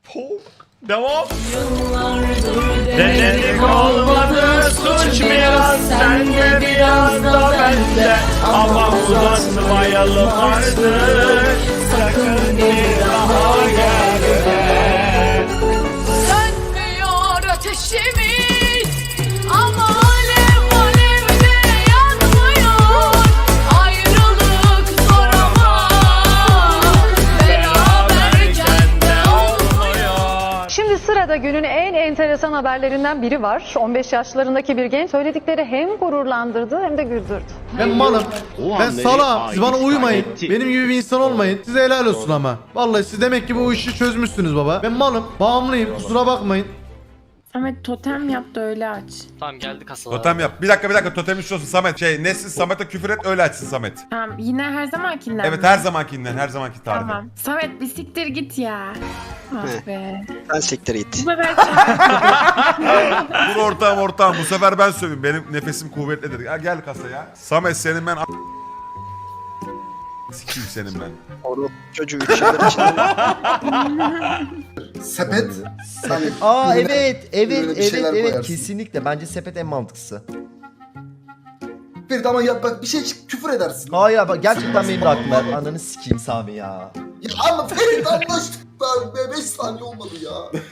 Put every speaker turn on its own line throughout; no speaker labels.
Devam. Denedik olmadı suç biraz sende biraz da bende ama uzatmayalım artık sakın bir daha gelme.
Sönmüyor ateşimiz ama alev alevde yanmıyor. Ayrılık zor ama beraberken de olmuyor.
Şimdi sırada günün en enteresan haberlerinden biri var. 15 yaşlarındaki bir genç söyledikleri hem gururlandırdı hem de güldürdü.
Ben malım. Ben salağım. Siz bana uymayın. Benim gibi bir insan olmayın. Size helal olsun ama. Vallahi siz demek ki bu işi çözmüşsünüz baba. Ben malım. Bağımlıyım. Kusura bakmayın.
Samet totem yap da öyle aç.
Tamam geldi kasalar.
Totem yap. Bir dakika totemin şu olsun Samet. Nesin Samet'e küfür et öyle açsın Samet.
Tamam yine her zamankinden
Evet
mi?
her zamankinden her zamanki tarifi.
Tamam. Samet bir siktir git ya. Ah be.
Sen siktir git.
Bu sefer
Dur ortağım bu sefer ben söyleyeyim. Benim nefesim kuvvetlidir. Ya gel kasaya. Samet senin ben sikeyim senin ben.
Orada çocuğu 3 yıldır içinde.
Sepet. Hani
Aa
ürüne-
evet
ürüne bir şeyler koyarsın.
kesinlikle bence sepet en mantıklısı.
Bir de ama ya bak bir şey küfür edersin.
Hayır ya bak gerçekten benim de aklıma ananı sikeyim Sami ya.
Ya ama Ferit anlaştık da 5 saniye olmadı ya.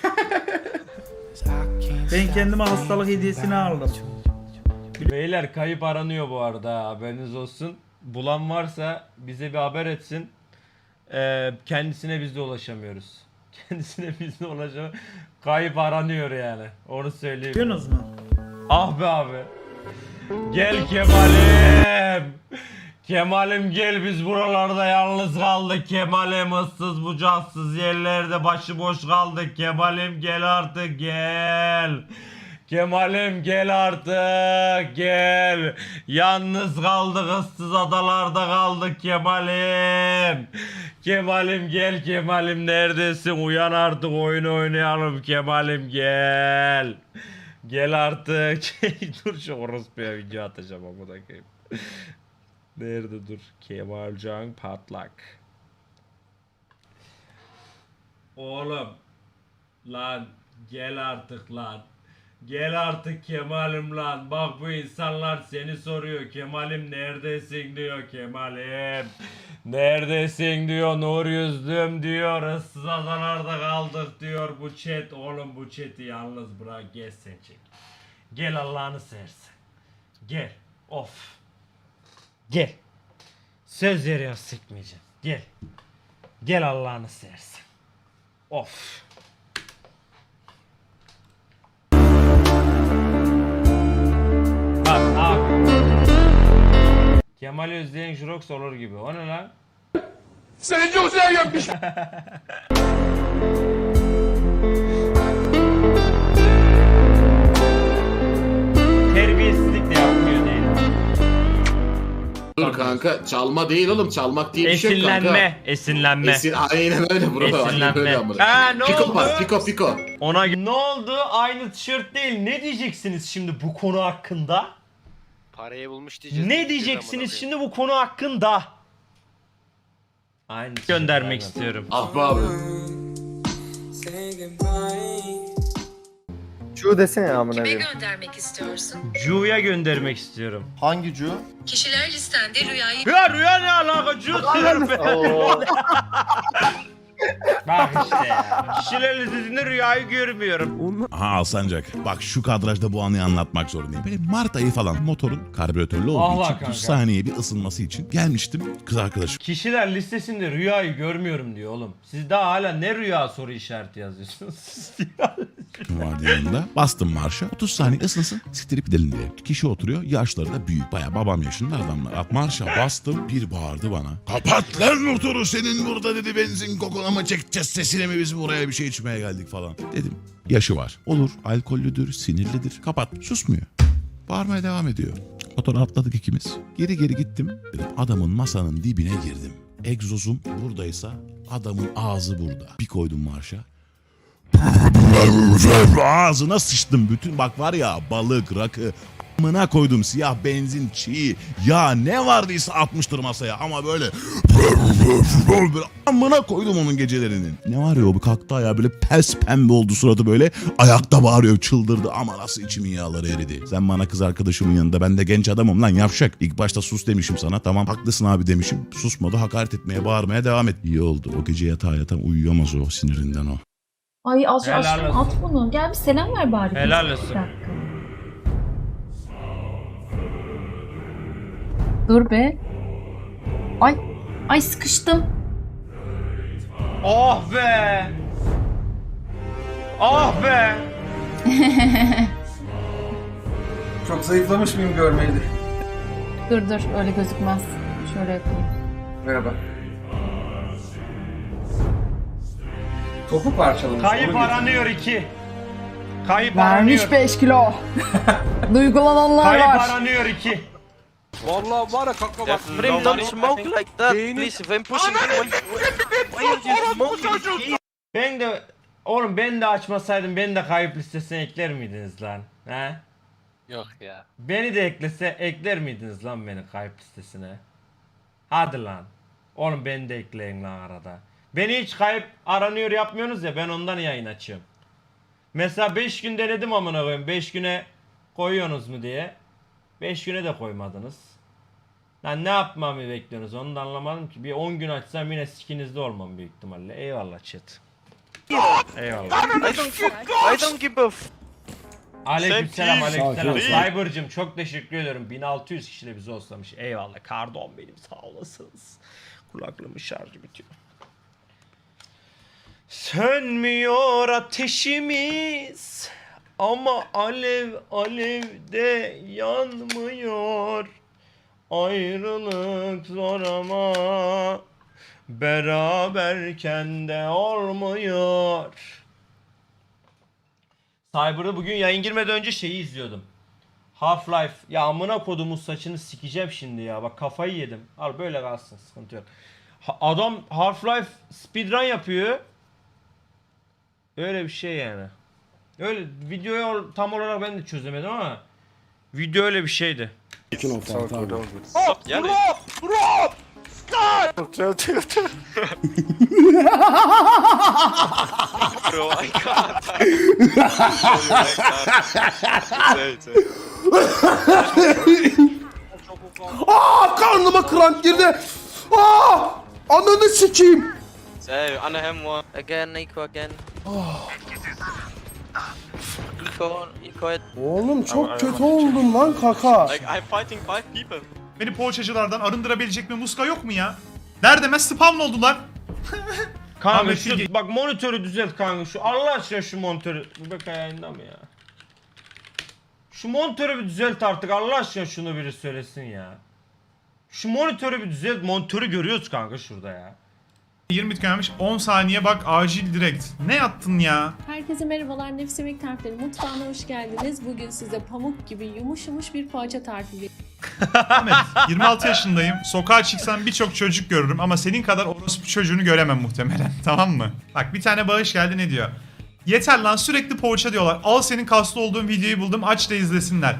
Ben kendime hastalık hediyesini aldım.
Beyler kayıp aranıyor bu arada haberiniz olsun. Bulan varsa bize bir haber etsin. Kendisine biz de ulaşamıyoruz. Kendisine biz de ulaşamıyoruz. Kayıp aranıyor yani. Onu söyleyeyim.
Biliyorsunuz mu?
Ah be abi. Gel Kemal'im. Kemal'im gel biz buralarda yalnız kaldık. Kemal'im ıssız bucaksız yerlerde başıboş kaldık. Kemal'im gel artık gel. Kemal'im gel artık gel. Yalnız kaldık ıssız adalarda kaldık Kemal'im. Kemal'im gel Kemal'im neredesin uyan artık oyun oynayalım Kemal'im gel. Gel artık. Dur şu orospuya video atacağım ama da koyayım. Nerede dur? Kemalcan Patlak. Oğlum. Lan gel artık lan. Gel artık Kemal'im lan. Bak bu insanlar seni soruyor. Kemal'im neredesin diyor Kemal'im. Neredesin diyor. Nur yüzlüm diyor. Issız adalarda kaldık diyor. Bu chat oğlum bu chat'i yalnız bırak. Gel sen çek. Gel Allah'ını seversen. Gel. Of. Gel. Söz veriyor sıkmayacağım. Gel. Gel Allah'ını seversen. Of. Bak abi. Kemal Özdeğen Jurox olur gibi. O ne lan? Seni çok seviyorum. Terbiyesizlik de yapmıyor değil.
Dur kanka çalma değil oğlum çalmak diye bir şey yok kanka.
Esinlenme.
Aynen öyle bro. Aynen öyle
Esinlenme.
amına.
Ne
Piko
oldu?
var piko.
Ona ne oldu? Aynı tişört değil. Ne diyeceksiniz şimdi bu konu hakkında?
Parayı bulmuş diyeceğiz.
Ne diyeceksiniz şimdi bu konu hakkında? Aynı göndermek istiyorum.
Ah be abi.
Şu desene amına
Kime
koyayım.
göndermek istiyorsun?
Cu'ya göndermek istiyorum.
Hangi cu?
Kişiler listende rüyayı
Ya rüya ne alaka? Cu diyorum ben. Bak işte ya. Kişiler listesinde rüyayı görmüyorum.
Aha Alsancak. Bak şu kadrajda bu anıyı anlatmak zorundayım. Böyle Mart ayı falan motorun karbüratörlü olduğu
Allah
için
kanka.
30 saniye bir ısınması için gelmiştim kız arkadaşım
Kişiler listesinde rüyayı görmüyorum diyor oğlum. Siz daha hala ne rüya soru işareti yazıyorsunuz?
vardı yanında. Bastım marşa. 30 saniye ısınsın siktirip gidelim diye. Kişi oturuyor. Yaşları da büyük. Bayağı babam yaşında adamlar. Marşa bastım. Bir bağırdı bana. Kapat lan motoru senin burada dedi benzin kokuna mı çekeceğiz sesine mi biz buraya bir şey içmeye geldik falan. Dedim yaşı var. Olur alkollüdür sinirlidir. Kapat susmuyor. Bağırmaya devam ediyor. Motora atladık ikimiz. Geri gittim. Dedim, adamın masanın dibine girdim. Egzozum buradaysa adamın ağzı burada. Bir koydum marşa. Ağzına sıçtım bütün bak var ya balık rakı Amına koydum siyah benzin, çiğ, ya ne vardıysa atmıştır masaya ama böyle amına koydum onun gecelerinin. Ne var ya o bir kalktı ayağı böyle pes pembe oldu suratı böyle ayakta bağırıyor çıldırdı ama nasıl içimin yağları eridi. Sen bana kız arkadaşımın yanında ben de genç adamım lan yavşak. İlk başta sus demişim sana tamam haklısın abi demişim. Susmadı hakaret etmeye bağırmaya devam et. İyi oldu o gece yatağa yatan uyuyamaz o sinirinden o.
Ay az
Helal
aşkım
olsun.
at bunu. Gel bir selam ver bari.
Helal
Bir
olsun.
dakika. Dur be. Ay sıkıştım.
Oh be. Oh be.
Çok zayıflamış mıyım görmeydi.
Dur öyle gözükmez. Şöyle yapayım.
Merhaba. Topu parçalamış.
Kayıp aranıyor 2. Kayıp
Vermiş
aranıyor.
5 kilo. Duygulananlar
Kayıp
var.
aranıyor 2.
Vallahi var ya kanka bak. Frame don't smoke like that. Please, if I'm pushing you, why are you smoking?
Ben de oğlum ben de açmasaydım beni de kayıp listesine ekler miydiniz lan? He?
Yok ya.
Beni de ekler miydiniz lan beni kayıp listesine? Hadi lan. Oğlum beni de ekleyin lan arada. Beni hiç kayıp aranıyor yapmıyorsunuz ya ben ondan yayın açıyorum. Mesela 5 gün denedim amına koyayım. 5 güne koyuyorsunuz mu diye. 5 güne de koymadınız. Lan ne yapmamı bekliyorsunuz onu da anlamadım ki. Bir 10 gün açsam yine sikinizde olmam büyük ihtimalle. Eyvallah chat. Eyvallah.
I don't give a
Aleykümselam aleykümselam. Cyber'cım çok teşekkür ederim. 1600 kişiyle bizi olsamış. Eyvallah. Kardon benim sağ olasınız. Kulaklığımın şarjı bitiyor. Sönmüyor ateşimiz ama alev alevde yanmıyor. Ayrılık zor ama beraberken de olmuyor. Cyber'da bugün yayın girmeden önce şeyi izliyordum. Half-Life. Ya amına kodumun saçını sikeceğim şimdi ya. Bak kafayı yedim. Al böyle kalsın sıkıntı yok. Adam Half-Life speedrun yapıyor. Öyle bir şey yani. Öyle videoyu tam olarak ben de çözemedim ama video öyle bir şeydi.
Bro, I can't.
Karnıma kramp girdi. Ananı sikeyim.
Save, under him one. Again, Nico again. Nico,
Oğlum çok kötü oldum lan kaka.
like I'm fighting 5 people.
Beni poğaçacılardan arındırabilecek bir muska yok mu ya? Nerede ben spawn oldular?
Kanka
Ahmet
şu
Bilge-
bak monitörü düzelt kanka şu Allah aşkına şu monitörü. Bu bek ayağında mı ya? Şu monitörü bir düzelt artık Allah aşkına şunu biri söylesin ya. Şu monitörü bir düzelt monitörü görüyoruz kanka şurada ya.
20 tükenmiş 10 saniye bak acil direkt. Ne yaptın ya?
Herkese merhabalar. Nefis Yemek Tarifleri mutfağına hoş geldiniz. Bugün size pamuk gibi yumuş bir poğaça tarifi
Ahmet 26 yaşındayım. Sokağa çıksam birçok çocuk görürüm ama senin kadar orospu çocuğunu göremem muhtemelen. Tamam mı? Bak bir tane bağış geldi ne diyor? Yeter lan sürekli poğaça diyorlar. Al senin kaslı olduğun videoyu buldum aç da izlesinler.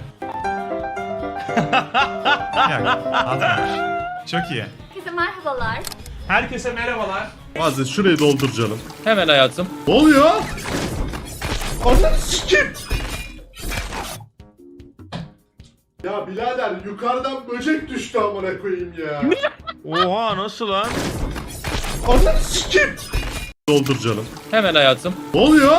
Ya, atmamış. Çok iyi.
Herkese merhabalar.
Herkese merhabalar.
Bazen şurayı doldur canım.
Hemen hayatım.
Ne oluyor? Ananı sikeyim. Ya birader yukarıdan böcek düştü amına koyayım ya.
Oha nasıl lan?
Ananı sikeyim. Doldur canım.
Hemen hayatım.
Ne oluyor?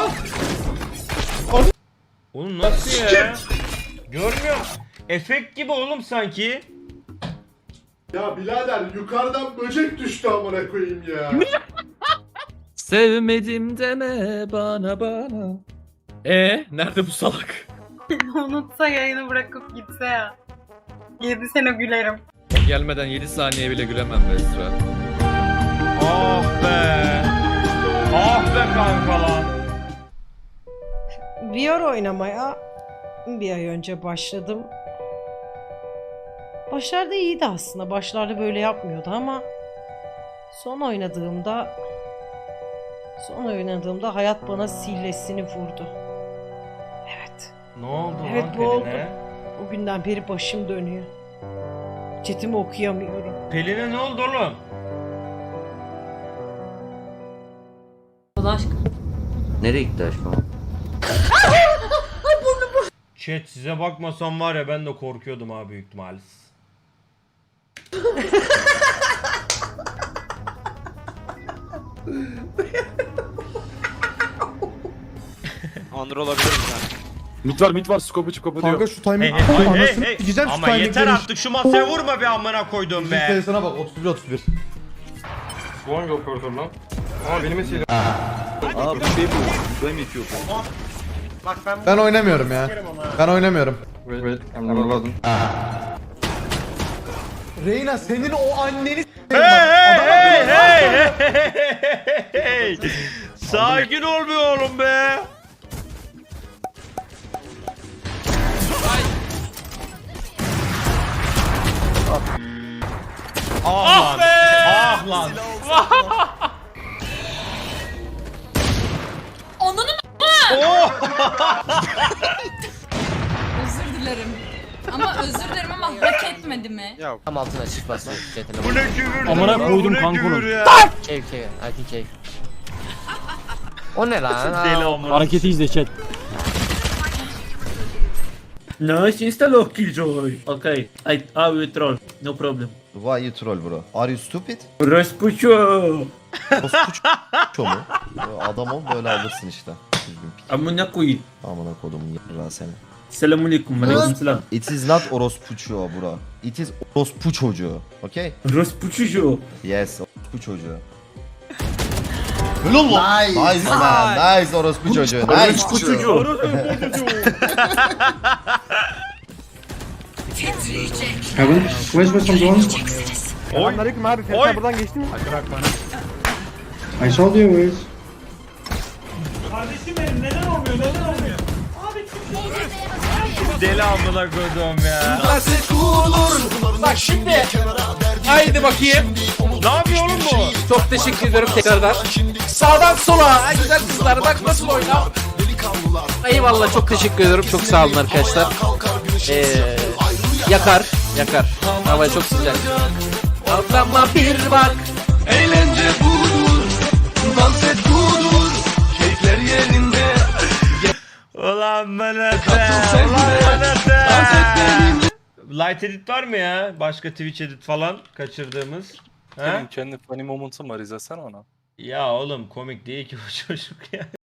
Oğlum nasıl ya? Görmüyor musun? Efekt gibi oğlum sanki.
Ya birader yukarıdan böcek düştü amına koyayım ya.
Sevmedim deme bana. Nerede bu salak?
Unutsa yayını bırakıp gitse ya. 7 sene gülerim.
Gelmeden 7 saniye bile gülemem be Esra.
Ah be. Ah be kanka lan.
VR oynamaya bir ay önce başladım. Başlarda iyiydi aslında. Başlarda böyle yapmıyordu ama son oynadığımda hayat bana sillesini vurdu. Evet.
Ne oldu
Evet,
lan
bu oldu.
eline?
O günden beri başım dönüyor. Chatimi okuyamıyorum.
Pelin'e ne oldu oğlum?
Allah aşkına.
Nereye gitti aşkım?
Chat size bakmasam var ya ben de korkuyordum abi büyük ihtimalle.
Under olabilir mi yani?
Mit var skopu çıkopu diyor.
Kanka şu timing.
Hey,
Anasını sikeceğim şu
Ama
timingleri.
yeter artık şu masaya vurma bir amına koyduğum
Müzik
be.
sayısına bak 31.
Bu hangi operatör lan? Aa benim eserim.
Aa bu şey bu. Ben itiyor.
Ben oynamıyorum ya. Ben oynamıyorum.
Wait, anlamadım.
Reyna senin o anneni
Hey. Sakin ol be oğlum be. Ah be! Ah lan!
Onun
Oh!
özür dilerim. ama hak etmedi mi?
Tam altına çıkmasın.
Bu ne küfür?
Amına koydum
kankonu.
Cave. I think cave. O ne lan?
Deli amına.
Hareketi izle chat.
Nice insta lock killjoy. Okay. I will troll. No problem.
Why you troll bro? Are you stupid?
Raspucho.
Ço mu? Adam ol böyle alırsın işte. Düzgün pik.
Amına koyayım.
Amına kodumun yarra seni.
Selamünaleyküm. Aleykümselam.
It is not orospuço bro. It is orospu çocuğu. Okay?
Raspucho.
Yes, orospu çocuğu.
Nice.
Nice man, nice orospu çocuğu. Nice.
Raspucho.
Kevin, where's my drone?
Selamünaleyküm abi. Sen buradan
geçtin mi? I saw you guys.
Deli amına koyduğum ya.
Bak şimdi. Haydi bakayım.
Ne yapıyor oğlum bu?
Çok teşekkür ediyorum tekrardan. Sağdan sola. Ay güzel kızlar bak nasıl oynar. Eyvallah çok teşekkür ediyorum. Çok sağ olun arkadaşlar. Yakar. Hava çok sıcak. Ablama bir bak.
Eğlence budur. Dans et budur. Keyifler yerinde.
Ulan Melete. Light edit var mı ya? Başka Twitch edit falan kaçırdığımız. Ha?
Kendi funny momentum var izlesene ona.
Ya oğlum komik değil ki bu çocuk ya.